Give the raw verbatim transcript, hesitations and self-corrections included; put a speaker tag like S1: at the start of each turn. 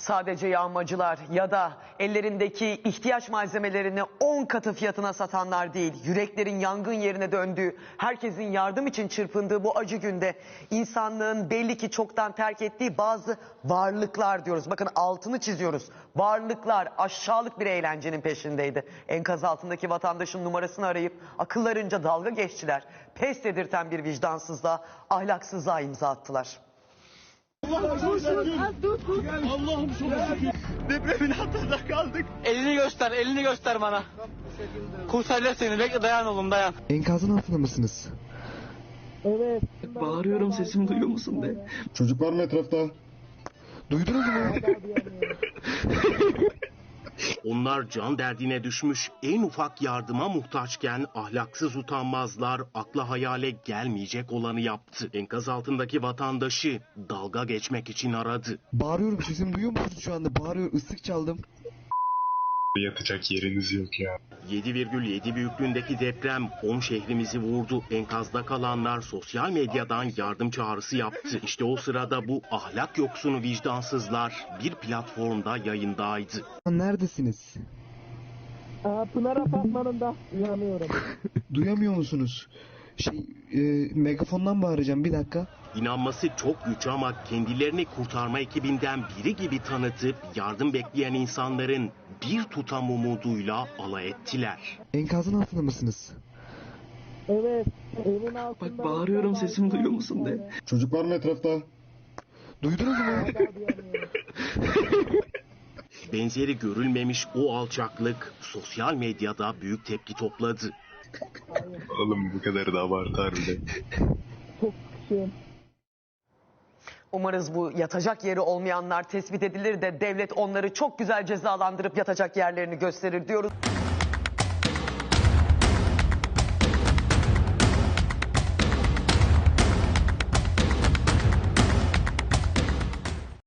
S1: Sadece yağmacılar ya da ellerindeki ihtiyaç malzemelerini on katı fiyatına satanlar değil, yüreklerin yangın yerine döndüğü, herkesin yardım için çırpındığı bu acı günde insanlığın belli ki çoktan terk ettiği bazı varlıklar diyoruz. Bakın altını çiziyoruz. Varlıklar aşağılık bir eğlencenin peşindeydi. Enkaz altındaki vatandaşın numarasını arayıp akıllarınca dalga geçtiler. Pes dedirten bir vicdansızlığa, ahlaksızlığa imza attılar.
S2: Allah'ım çok şükür. Depremin altında kaldık.
S3: Elini göster, elini göster bana. Kurtaracağız seni. Bekle, dayan oğlum, dayan.
S4: Enkazın altında mısınız?
S2: Evet. Bağırıyorum, sesimi duyuyor musun de.
S4: Çocuk var mı etrafta? Duydunuz mu?
S5: Onlar can derdine düşmüş, en ufak yardıma muhtaçken ahlaksız utanmazlar akla hayale gelmeyecek olanı yaptı. Enkaz altındaki vatandaşı dalga geçmek için aradı.
S4: Bağırıyorum, sesimi duyuyor musunuz şu anda? Bağırıyorum, ıslık çaldım.
S6: Yatacak yeriniz yok ya.
S5: yedi virgül yedi büyüklüğündeki deprem on şehrimizi vurdu. Enkazda kalanlar sosyal medyadan yardım çağrısı yaptı. İşte o sırada bu ahlak yoksunu vicdansızlar bir platformda yayındaydı.
S4: Neredesiniz?
S2: Aa, Pınar Apartmanı'nda uyanıyorum.
S4: Duyamıyor musunuz? Şey, e, megafondan bağıracağım, bir dakika.
S5: İnanması çok güç ama kendilerini kurtarma ekibinden biri gibi tanıtıp yardım bekleyen insanların bir tutam umuduyla alay ettiler.
S4: Enkazın altında mısınız?
S2: Evet. Evin altında. Bak bağırıyorum, sesimi duyuyor musun de.
S4: Çocuk var mı etrafta? Duydunuz mu?
S5: Benzeri görülmemiş o alçaklık sosyal medyada büyük tepki topladı.
S6: Oğlum bu kadar da abartar bile.
S2: Çok şükür.
S1: Umarız bu yatacak yeri olmayanlar tespit edilir de devlet onları çok güzel cezalandırıp yatacak yerlerini gösterir diyoruz.